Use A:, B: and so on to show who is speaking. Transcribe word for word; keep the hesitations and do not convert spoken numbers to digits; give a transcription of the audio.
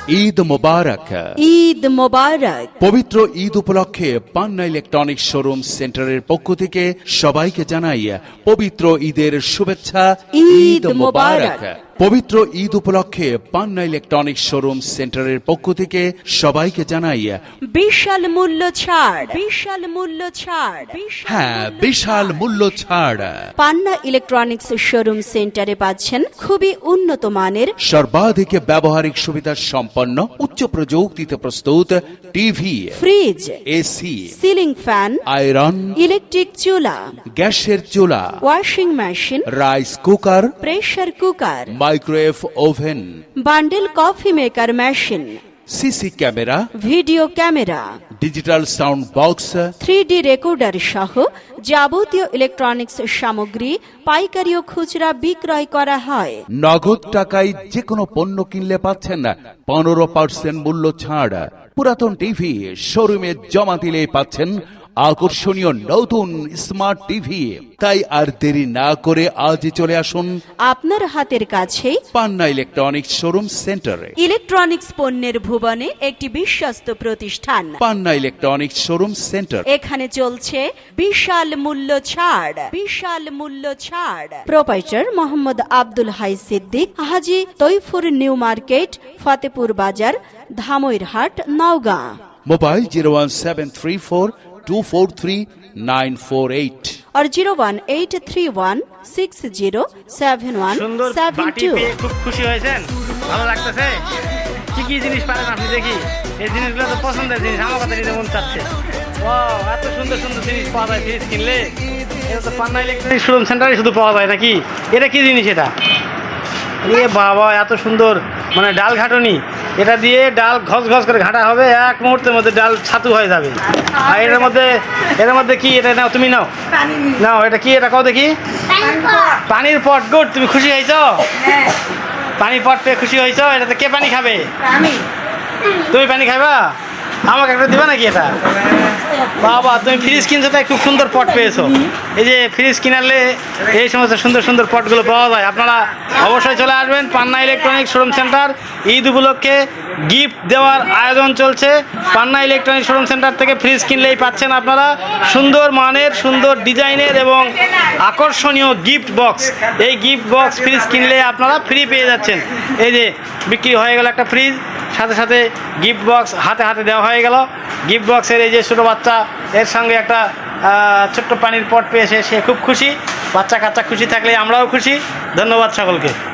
A: ঈদ মোবারক।
B: ঈদ মোবারক।
A: পবিত্র ঈদ উপলক্ষে পান্না electronic showroom সেন্টারের পক্ষ থেকে সবাইকে জানাই পবিত্র ঈদের শুভেচ্ছা।
B: ঈদ মোবারক।
A: পবিত্র ঈদ উপলক্ষে পান্না ইলেকট্রনিক শোরুম সেন্টারের পক্ষ থেকে সবাইকে জানাই
B: বিশাল মূল্য ছাড়, বিশাল মূল্য ছাড়।
A: হ্যাঁ, বিশাল মূল্য ছাড়।
B: পান্না ইলেকট্রনিক্স শোরুম সেন্টারে পাচ্ছেন খুবই উন্নত মানের
A: সর্বাধিক ব্যবহারিক সুবিধা সম্পন্ন উচ্চ প্রযুক্তিতে প্রস্তুত TV,
B: fridge,
A: AC,
B: ceiling fan,
A: iron,
B: electric চুলা,
A: গ্যাসের চুলা,
B: washing machine,
A: rice cooker,
B: pressure cooker,
A: microwave oven,
B: bundle coffee maker machine,
A: CC camera,
B: video camera,
A: digital sound box,
B: three D recorder সহ যাবতীয় ইলেকট্রনিক্স সামগ্রী পাইকারি ও খুচরা বিক্রয় করা হয়।
A: নগদ টাকায় যে কোনো পণ্য কিনলে পাচ্ছেন পনেরো পার্সেন্ট মূল্য ছাড়। পুরাতন টিভি শোরুমে জমা দিলে পাচ্ছেন আকর্ষণীয় নতুন স্মার্ট টিভি। তাই আর দেরি না করে আজই চলে আসুন
B: আপনার হাতের কাছে
A: পান্না ইলেকট্রনিক্স শোরুম সেন্টারে।
B: ইলেকট্রনিক্স পণ্যের ভুবনে একটি বিশ্বস্ত প্রতিষ্ঠান
A: পান্না ইলেকট্রনিক্স শোরুম সেন্টার।
B: এখানে চলছে বিশাল মূল্য ছাড়, বিশাল মূল্য ছাড়। Proprietor Mohammad Abdul Hai Siddique, Haji Taifur new market, Fatehpur Bazar, Dhamoirhat, Naogaon.
A: Mobile zero one seven three four two four three nine four eight
B: আর zero one eight three one six zero seven one
C: সুন্দর
B: সেভেন
C: বাটি
B: টু।
C: পেয়ে খুব খুশি হয়েছেন? ভালো লাগতেছে? কি কি জিনিস পারেন আপনি দেখি? এই জিনিসগুলো তো পছন্দের জিনিস, আমার কথা নিতে মন চাচ্ছে। ওয়াও, এত সুন্দর সুন্দর জিনিস পাওয়া যায় ফ্রিজ কিনলে। এটা তো পান্না ইলেকট্রনিক শোরুম সেন্টারে শুধু পাওয়া যায় নাকি? এটা কি জিনিস এটা? এ বাবা, এত সুন্দর, মানে ডাল ঘাটনি। এটা দিয়ে ডাল ঘস ঘস করে ঘাটা হবে, এক মুহূর্তের মধ্যে ডাল ছাতু হয়ে যাবে। আর এটার মধ্যে এর মধ্যে কি? এটা নাও, তুমি নাও নাও। এটা কি? এটা কও দেখি। পানির পট। গুড, তুমি খুশি হয়েছ? পানির পট পেয়ে খুশি হয়েছ? এটাতে কে পানি খাবে? তুমি পানি খাবা? আমাকে একটা দিবা নাকি এটা? বাবা, তুমি ফ্রিজ কিনছো তাই খুব সুন্দর পট পেয়েছো। এই যে ফ্রিজ কিনালে এই সমস্ত সুন্দর সুন্দর পটগুলো পাওয়া যায়। আপনারা অবশ্যই চলে আসবেন Panna electronic showroom centre. Eid উপলক্ষে গিফট দেওয়ার আয়োজন চলছে। পান্না ইলেকট্রনিক শোরুম সেন্টার থেকে ফ্রিজ কিনলেই পাচ্ছেন আপনারা সুন্দর মানের, সুন্দর ডিজাইনের এবং আকর্ষণীয় গিফট বক্স। এই গিফট বক্স ফ্রিজ কিনলে আপনারা ফ্রি পেয়ে যাচ্ছেন। এই যে বিক্রি হয়ে গেল একটা ফ্রিজ, সাথে সাথে গিফট বক্স হাতে হাতে দেওয়া হয়ে গেল। গিফট বক্সের এই যে ছোটো বাচ্চা, এর সঙ্গে একটা ছোট্ট পানির পট পেয়েছে, সে খুব খুশি। বাচ্চা কাচ্চা খুশি থাকলে আমরাও খুশি। ধন্যবাদ সকলকে।